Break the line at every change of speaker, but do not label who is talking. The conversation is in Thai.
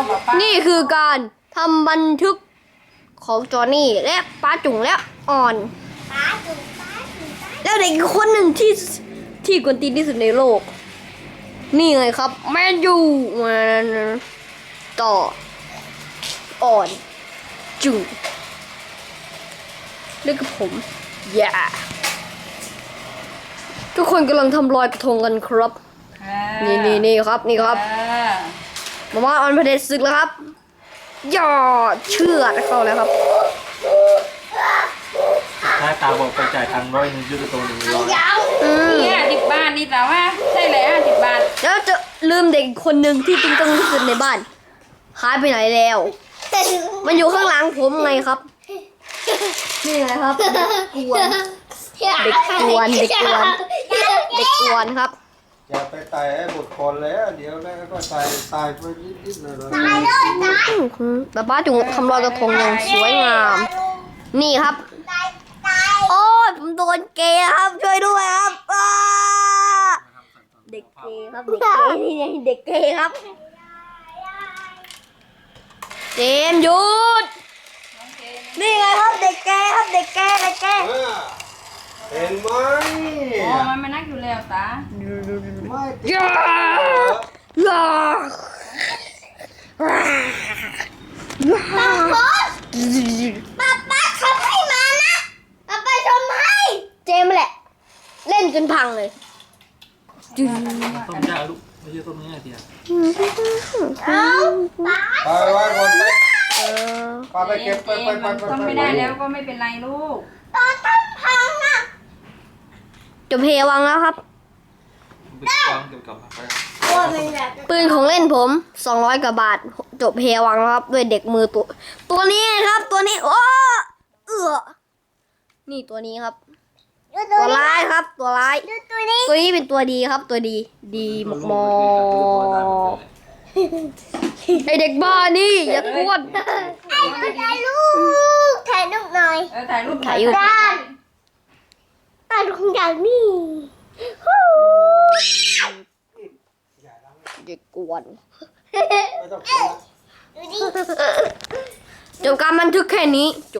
นี่คือการทำบันทึกของจอห์นนี่และป้าจุ๋งและอ่อน แล้วเด็กอีกคนหนึ่งที่กวนตีนที่สุดในโลก นี่ไงครับ แมนยูมันต่ออ่อนจุ๋งเล่นกับผมอย่าทุกคนกำลังทำรอยกระทงกันครับ นี่ครับนี่ครับมาม่าออนประเด็นศึกแล้วครับย่อเชื่อดเข้าแล้วครับ
ถ้าตาบอกไปจ่ายทาง100ยืดตัว100
นี่50 บาทนี่แต่ว่าใช่เลย50 บาท
แล้วจะลืมเด็กคนหนึ่งที่ตึงตังที่สุดในบ้านหายไปไหนแล้ว มันอยู่ข้างหลังผมไงครับ นี่ไงครับเด็กกวนครับ
อย่าไปไต่ให้บุตรคนแล้วเดี๋ยวแล้วก็ตายไปนิดๆหน่อยๆ
แต่ป้าจุ๋งทำรอยกระทงอย่างสวยงาม นี่ครับ โอ้ยผมโดนเกย์ครับช่วยด้วยครับเด็กเกย์ครับเด็กเกย์นี่ไงเด็กเกย์ครับเจมส์หยุดนี่ไงครับเด็กเกย์ครับเด็กเกย์
เห็นไหม
อ๋อมันมานักอยู่แล้วตา
ไม่
ย่าย่าป้าทำให้มานะป้าทำให้เจมส์แหละเล่นจนพังเลย
ต้มยาลูกไม่ใช่ต้มยาเดียว
ไปไว้คนไปป้าไปเก็บไป
ทำไม่ได้แล้วก็ไม่เป็นไรลูก
จบเพวังแล้วครับ
ไปวางเกี่ยวกับไป
ปืนของเล่นผม200 กว่าบาทจบเพวังแล้วครับด้วยเด็กมือตัวนี้ครับตัวนี้โอ้นี่ตัวนี้ครับ ตัวร้ายครับตัวร้ายตัวนี้เป็นตัวดีครับตัวดีมอกไอเด็กบ้านี่อย่ากวน
ถ่ายรูปหน่อย
ถ่ายรูป
ถ่ายอยู่
ตาดูของอย่างนี้
เด็กกวน
ไม่ต้อง
ดูดิ
จบการบันทึกแค่นี้จ